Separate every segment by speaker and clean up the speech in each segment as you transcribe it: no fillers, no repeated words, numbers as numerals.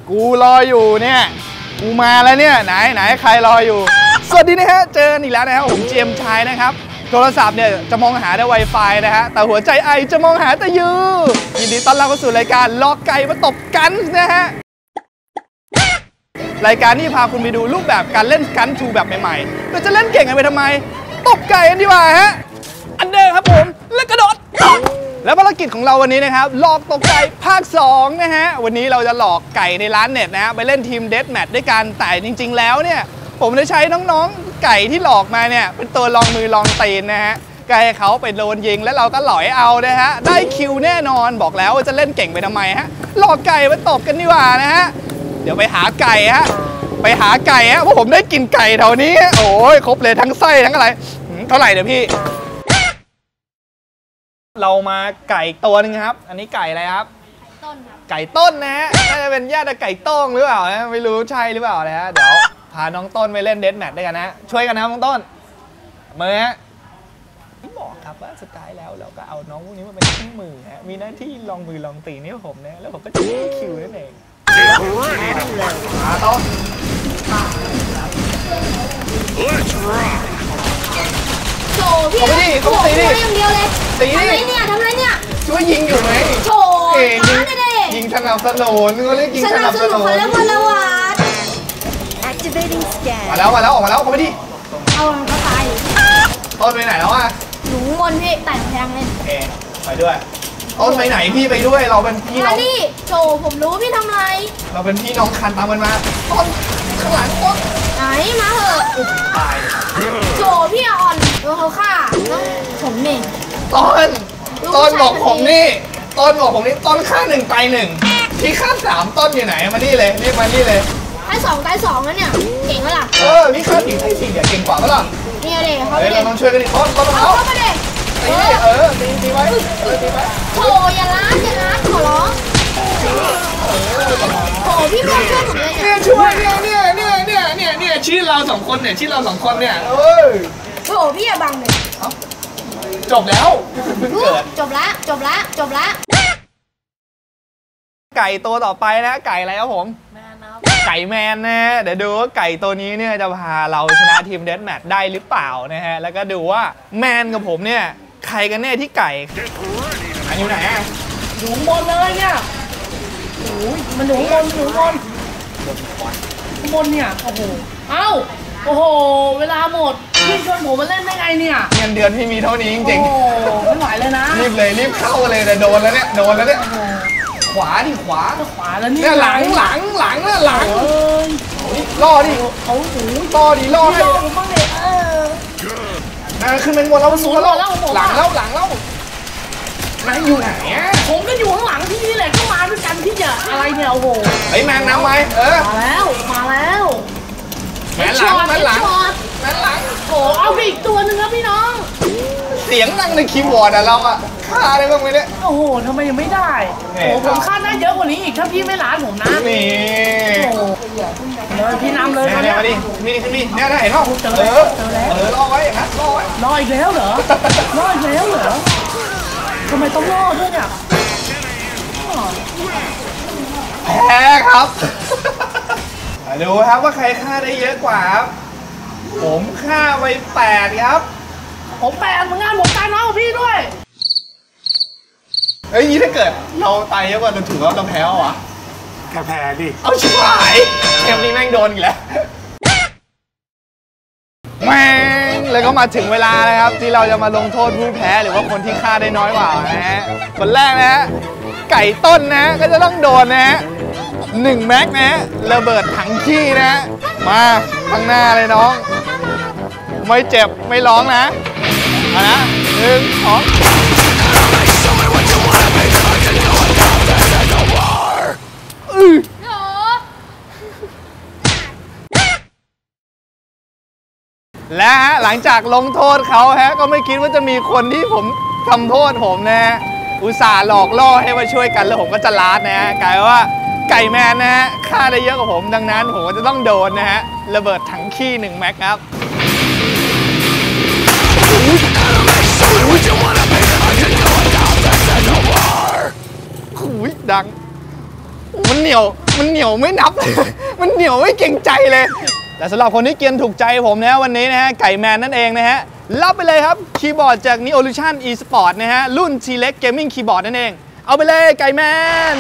Speaker 1: กูรออยู่เนี่ยกูมาแล้วเนี่ยไหนใครรออยู่สวัสดีนะฮะเจออีกแล้วนะครับผมเจียมชายนะครับโทรศัพท์เนี่ยจะมองหาได้ Wi-Fi นะฮะแต่หัวใจไอจะมองหาแต่ยูยินดีต้อนรับเข้าสู่รายการลอกไก่มาตบกันนะฮะรายการนี้พาคุณไปดูรูปแบบการเล่นกันทูแบบใหม่ๆเราจะเล่นเก่งกันไปทำไมตบไก่กันดีกว่าฮะอันเดิมครับผมแล้วกระโดดแล้วภารกิจของเราวันนี้นะครับหลอกตกไก่ภาค2นะฮะวันนี้เราจะหลอกไก่ในร้านเน็ตนะฮะไปเล่นทีมเดธแมทด้วยกันแต่จริงๆแล้วเนี่ยผมได้ใช้น้องๆไก่ที่หลอกมาเนี่ยเป็นตัวลองมือลองตีนนะฮะไก่เขาไปโดนยิงแล้วเราก็หลอยเอานะฮะได้คิวแน่นอนบอกแล้วว่าจะเล่นเก่งไปทำไมฮะหลอกไก่มาตบกันดีกว่านะฮะเดี๋ยวไปหาไก่ฮะไปหาไก่ฮะเพราะผมได้กินไก่แถวนี้โอ้ยครบเลยทั้งไส้ทั้งอะไรเท่าไหร่เดี๋ยวพี่เรามาไก่ตัวนึงครับอันนี้ไก่อะไรครับต้นครับไก่ต้นนะฮะน่าจะเป็นญาติไก่ต้งหรือเปล่านะไม่รู้ใช่หรือเปล่านะฮะเดี๋ยวพาน้องต้นไปเล่นเดธแมทด้วยกันนะช่วยกันนะครับน้องต้นมือฮะที่บอกครับว่าสุดท้ายแล้วเราก็เอาน้องพวกนี้มาเป็นคู่มือฮะมีหน้าที่ลองมือลองตีนี่ผมนะแล้วผมก็จะคิวนั่นเองมาต้น
Speaker 2: โชว์พี่เขาตีดิอย่างเดียวเลยตีดิทำไรเนี่ย
Speaker 1: ช่วยยิงอยู่ไหม
Speaker 2: โชว์
Speaker 1: ยิงสนับสนุนเขาเรียกยิงสนับสนุน
Speaker 2: แล้วมาแล้ววัด
Speaker 1: มาแล้วออกมาแล้วเขาไปดิ
Speaker 2: เอาเขาตาย
Speaker 1: ต้นไปไหนแล้วอ่ะ
Speaker 2: หนูบนพี่ไต่แพงเลย
Speaker 1: โอเคไปด้วยต้นไปไหนพี่ไปด้วยเราเป็นพี่น้อง
Speaker 2: นี่โชว์ผมรู้พี่ทำไร
Speaker 1: เราเป็นพี่น้องคันตามกันมาต้นข้างหลังต้น
Speaker 2: ไหนมาเหอะ
Speaker 1: ตาย
Speaker 2: โชว์พี่อ่อนเขาฆ่าผมเอง
Speaker 1: ต้นบอกผมนี่ต้นฆ่า1ตาย1พี่ฆ่า3ต้นอยู่ไหนมานี่เลยรีบมานี่เลย
Speaker 2: ให้2ตาย2แล้วเนี่ยเก่งไหมล่ะ
Speaker 1: พี่ฆ่า4ตาย4เนี่ยเก่งกว่าปะล่ะ
Speaker 2: นี่เลยเขา
Speaker 1: เราต้องช่วยกันดิต้น
Speaker 2: เอาเข้ามาเลย
Speaker 1: ตีไว้
Speaker 2: โชว์อย่าล้านขอร้องโอ้พี่ช่วยผมเลย
Speaker 1: เนี่ยช่วยเนี่ยชี้เรา2คนเนี่ย
Speaker 2: โอ้พี่อย่าบังเลย
Speaker 1: จบแล้ว
Speaker 2: จบละ
Speaker 1: ไก่ตัวต่อไปนะไก่อะไรครับผมไก่แมนนะเดี๋ยวดูว่าไก่ตัวนี้เนี่ยจะพาเราชนะทีมเดธแมทได้หรือเปล่านะฮะแล้วก็ดูว่าแมนกับผมเนี่ยใครกันแน่ที่ไก่อยู่ไหนอ่ะ
Speaker 2: อยู่บนเลยเนี่ยโอ้ยมันอยู่บนเนี่ยโอ้โหโอ้โหเวลาหมดพี่ชวนผมมาเล่นได้ไงเนี่ย
Speaker 1: เงินเดือนพี่มีเท่านี้จริงๆ
Speaker 2: โอ้ไม่ไหวเลยนะ
Speaker 1: รีบเข้าเลยแต่โดนแล้วเนี่ยขวา
Speaker 2: แล้วนี่
Speaker 1: หลังล่อดิ
Speaker 2: เขา
Speaker 1: ล่อให้
Speaker 2: ผมบ้างเลย
Speaker 1: ขึ้นเป็นบนแล้วสูงแล้วหลังแล้วนายอยู่ไหน
Speaker 2: ผมก็อยู่ข้างหลังที่นี่แหละก็มาด้วยกันที่จะอะไรเนี่ยโอ้โห
Speaker 1: แมนน้ำไว้
Speaker 2: มาแล้ว
Speaker 1: แมนหลัง
Speaker 2: โอ้เอาไปอีกตัวหนึ่งครับพี่น้อง
Speaker 1: เสียงดังในคีย์บอร์ดอะเราอะฆ่าได้บ้างไหมเนี่ย
Speaker 2: โอ้โหทำไมยังไม่ได้โอ้ผมฆ่าได้เยอะกว่านี้อีกถ้าพี่ไม่ล้านผมนะ
Speaker 1: นี่
Speaker 2: เลยพี่นำเลย
Speaker 1: เนี่ยมาดินี่เนี่ยได้เห็นป่ะ
Speaker 2: เจอแล้ว
Speaker 1: รอไว้นะ
Speaker 2: รออีกแล้วเหรอทำไมต้องรอด้วยเนี่ย
Speaker 1: แพ้ครับดูครับว่าใครฆ่าได้เยอะกว่าครับผมฆ่าไป8ครับ
Speaker 2: ผม8เหมือนกันผมตายน้อยกว่าพี่ด้วย
Speaker 1: นี่ถ้าเกิดเราตายเยอะกว่าเราถือว่าเราแพ้เหรอ
Speaker 3: แพ้ดิ
Speaker 1: เอาชิบหายเกมนี้แม่งโดนอีกแล้วแม่งเลยก็มาถึงเวลานะครับที่เราจะมาลงโทษผู้แพ้หรือว่าคนที่ฆ่าได้น้อยกว่านะฮะคนแรกนะฮะไก่ต้นนะก็จะต้องโดนนะฮะ1 แม็กนะระเบิดถังขี้นะมาข้างหน้าเลยน้องไม่เจ็บไม่ร้องนะนะ1 2และหลังจากลงโทษเขาฮะก็ไม่คิดว่าจะมีคนที่ผมทำโทษผมนะอุตส่าห์หลอกล่อให้มาช่วยกันแล้วผมก็จะลาดนะฮะกลายว่าไก่แมนนะฮะฆ่าได้เยอะกว่าผมดังนั้นผมก็จะต้องโดนนะฮะระเบิดถังขี้1 แม็กครับดังมันเหนียวไม่นับเลย มันเหนียวไม่เก่งใจเลย แต่สำหรับคนที่เกียนถูกใจผมนะวันนี้นะฮะไก่แมนนั่นเองนะฮะรับไปเลยครับคีย์บอร์ดจาก Neolution Esport นะฮะรุ่น T-Rex Gaming Keyboard นั่นเองเอาไปเลยไก่แมน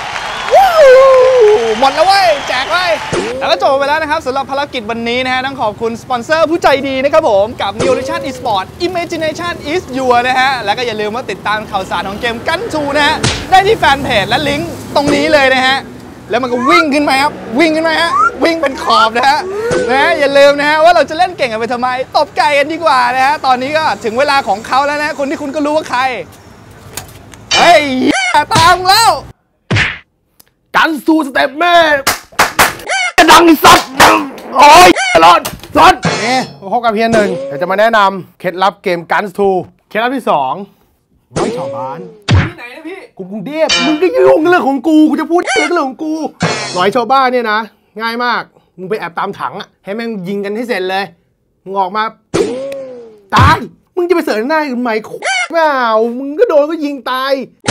Speaker 1: หมดแล้วเว้ยแจกไว้แล้วก็จบไปแล้วนะครับสำหรับภารกิจวันนี้นะฮะต้องขอบคุณสปอนเซอร์ผู้ใจดีนะครับผมกับ Neolution Esport Imagination is your นะฮะแล้วก็อย่าลืมว่าติดตามข่าวสารของเกมกันทูนะฮะได้ที่แฟนเพจและลิงก์ตรงนี้เลยนะฮะแล้วมันก็วิ่งขึ้นมาครับวิ่งขึ้นมาฮะวิ่งเป็นขอบนะฮะอย่าลืมนะฮะว่าเราจะเล่นเก่งกันไปทำไมตบไก่กันดีกว่านะฮะตอนนี้ก็ถึงเวลาของเขาแล้วนะคนที่คุณก็รู้ว่าใครเฮ้ยตามแล้ว
Speaker 3: กันซูสเต็ปแม่ดังสัตว์โอ้ยร้อนนี่พบกับเพียงหนึ่งเดี๋ยวจะมาแนะนำเคล็ดลับเกมกันทูเคล็ดลับที่2ร้อยชาวบ้าน
Speaker 1: ที่ไหนนะพี่
Speaker 3: กรุงเทพมึงก็ยุ่งเรื่องของกูจะพูดเรื่องของกูร้อยชาวบ้านเนี่ยนะง่ายมากมึงไปแอบตามถังอ่ะให้แม่งยิงกันให้เสร็จเลยมึงออกมาตายมึงจะไปเสิร์ฟหน้าทำไมเปล่ามึงก็โดนก็ยิงตาย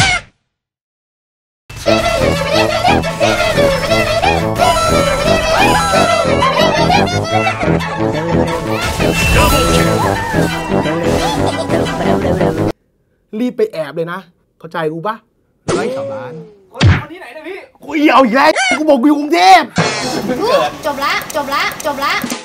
Speaker 3: รีบไปแอบเลยนะเข้าใจกูปะไร้ชาวบ้าน
Speaker 1: คนที่ไหนนะพี่
Speaker 3: กูเอาอีกแล้วกูบอกกูอยู่กรุงเทพ
Speaker 2: จบละ